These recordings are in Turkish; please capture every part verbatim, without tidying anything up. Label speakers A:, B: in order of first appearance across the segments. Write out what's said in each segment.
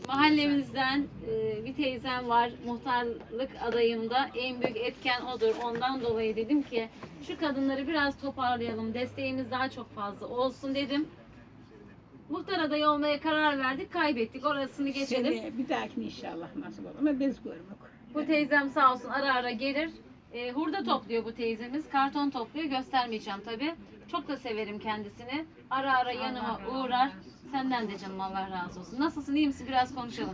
A: Mahallemizden e, bir teyzem var. Muhtarlık adayımda en büyük etken odur. Ondan dolayı dedim ki şu kadınları biraz toparlayalım. Desteğimiz daha çok fazla olsun dedim. Muhtar adayı olmaya karar verdik. Kaybettik. Orasını geçelim.
B: Seneye bir dahakine inşallah nasip olur ama biz görmek.
A: Bu teyzem sağ olsun ara ara gelir. E, hurda topluyor bu teyzemiz. Karton topluyor. Göstermeyeceğim tabii. Çok da severim kendisini. Ara ara yanıma uğrar. Senden de canım Allah razı olsun. Nasılsın? İyi misin? Biraz konuşalım.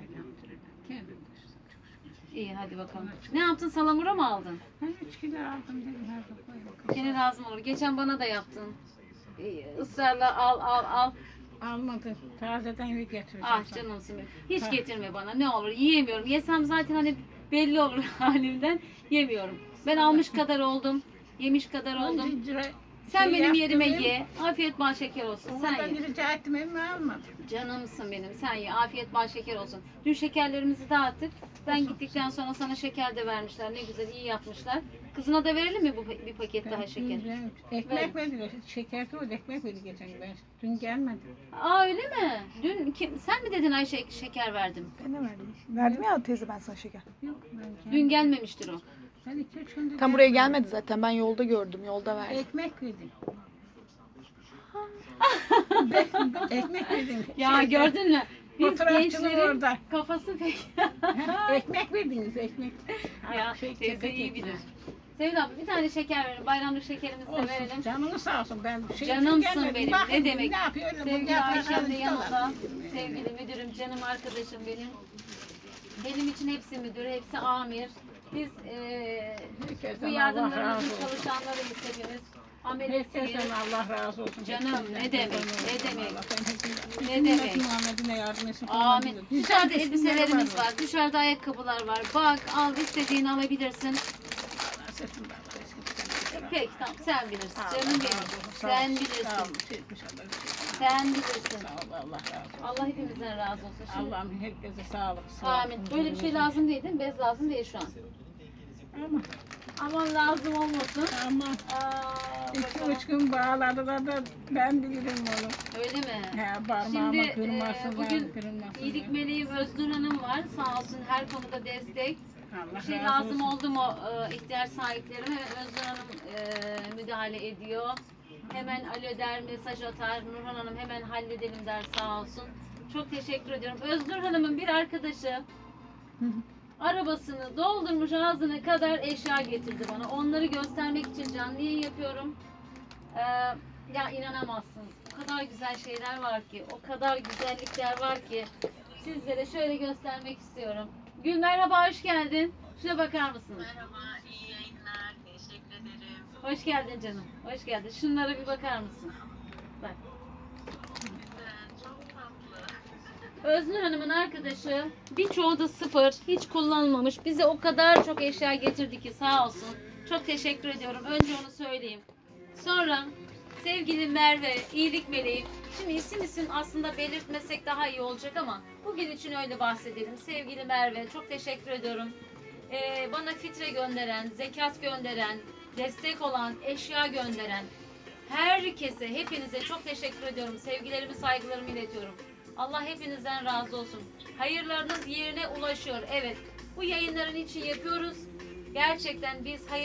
A: İyi hadi bakalım. Ne yaptın? Salamura mı aldın?
B: Ben üç kilo aldım dedim her zaman.
A: Gene lazım olur. Geçen bana da yaptın. Ee, ısrarla al al al.
B: Almadım. Tazeden bir getireceğim.
A: Ah
B: sana.
A: canımsın benim. Hiç
B: Ha.
A: getirme bana. Ne olur yiyemiyorum. Yesem zaten hani belli olur halimden. Yemiyorum. Ben almış kadar oldum. Yemiş kadar oldum.
B: On lira
A: Sen
B: şey
A: benim yerime
B: yaptım,
A: ye. Afiyet bal şeker olsun. Sen
B: Ondan
A: ye.
B: rica ettim ama almadım.
A: Canımsın benim. Sen ye. Afiyet bal şeker olsun. Dün şekerlerimizi dağıttık. Ben
B: Olsun.
A: gittikten sonra sana şeker de vermişler. Ne güzel iyi yapmışlar. Kızına da verelim mi bu bir paket daha şeker?
B: Ben- Ekmek verdiler. Şeker de ekmek verdi geçen gün. Ben dün gelmedim.
A: Aa öyle mi? Dün kim, sen mi dedin Ayşe şeker verdim?
C: Ben de verdim. Verdim ya teyze ben sana şeker.
B: Yok ben
A: Dün gelmemiştir o.
B: Ben iki üç gündür
C: Tam buraya
B: gelmedim.
C: gelmedi zaten. Ben yolda gördüm. Yolda verdim.
B: Ekmek verdim. Ekmek verdim.
A: Ya
B: Şeyde,
A: gördün mü? Biz
B: Fotoğrafçının
A: gençlerin
B: orada.
A: kafası pek.
B: Ekmek verdiniz ekmek.
A: Ya
B: Şey,
A: teyze
B: sepet
A: iyi
B: ekmek.
A: bilir. Sevil abla bir tane şeker verin. Bayramlık şekerimizi de
B: Olsun.
A: verelim.
B: Canını sağ olsun. Ben şey
A: Canımsın
B: gelmedim.
A: benim.
B: Bakın,
A: Ne demek?
B: Ne yapıyor? Öyle bu
A: Sevgili
B: yaprakları
A: Ayşem de yanımda.
B: tutarlar.
A: Sevgili müdürüm, canım arkadaşım benim. Benim için hepsi müdür, hepsi amir. Biz eee bu
B: Herkesten Allah
A: yardımlarımızın
B: razı olsun.
A: çalışanlarıyız hepimiz. Ameliyatıyız.
B: Herkesten Allah razı olsun.
A: Canım, ne demek, ne demek.
B: Ne
A: Ne
B: demek?
A: demek.
B: Muhammed'ine yardım etsin.
A: Amin.
B: Güzel
A: Dışarıda
B: kısımları
A: elbiselerimiz
B: var.
A: var. Dışarıda ayakkabılar var. Bak al istediğini alabilirsin.
B: Allah sırtında Allah esirgesin.
A: Peki tamam sen bilirsin.
B: Sağ ol,
A: Canım
B: Allah
A: benim.
B: razı olsun. Sağ ol,
A: Sen
B: sağ ol.
A: bilirsin.
B: Şey etmiş Allah, şey etmiş.
A: Sen bilirsin.
B: Sağ ol, Allah razı olsun.
A: Allah hepimizden razı olsun. Şimdi,
B: Allah'ım herkese sağlık. sağlık,
A: amin. Böyle bir şey lazım değil değil mi? Bez lazım değil şu an.
B: Ama,
A: Aman lazım olmasın.
B: ama
A: Aa,
B: iki
A: bakalım.
B: üç gün bağladılar da ben bilirim onu.
A: Öyle mi?
B: He, parmağıma
A: Şimdi
B: kırmasın,
A: e, bugün
B: kırılmasın.
A: iyilik meleği Öznur Hanım var. Sağ olsun her konuda destek.
B: Allah
A: Bir şey
B: razı
A: lazım
B: olsun.
A: oldu mu e, ihtiyaç sahiplerime Öznur Hanım e, müdahale ediyor. Hemen alo der, mesaj atar. Nurhan Hanım hemen halledelim der sağ olsun. Çok teşekkür ediyorum. Öznur Hanım'ın bir arkadaşı arabasını doldurmuş ağzına kadar eşya getirdi bana. Onları göstermek için canlı yayın yapıyorum. Ee, ya inanamazsınız. O kadar güzel şeyler var ki, o kadar güzellikler var ki sizlere şöyle göstermek istiyorum. Gül merhaba, hoş geldin. Şuna bakar mısınız?
D: Merhaba, iyi yayınlar. Teşekkür ederim.
A: Hoş geldin canım. Hoş geldin. Şunlara bir bakar mısın? Bak.
D: Güzel, çok tatlı.
A: Öznur Hanım'ın arkadaşı birçoğu da sıfır, hiç kullanılmamış. Bize o kadar çok eşya getirdi ki sağ olsun. Çok teşekkür ediyorum. Önce onu söyleyeyim. Sonra sevgili Merve, iyilik meleği. Şimdi isim isim aslında belirtmesek daha iyi olacak ama bugün için öyle bahsedelim. Sevgili Merve, çok teşekkür ediyorum. Ee, bana fitre gönderen, zekat gönderen, destek olan, eşya gönderen herkese, hepinize çok teşekkür ediyorum. Sevgilerimi, saygılarımı iletiyorum. Allah hepinizden razı olsun. Hayırlarınız yerine ulaşıyor. Evet, bu yayınların için yapıyoruz. Gerçekten biz hayır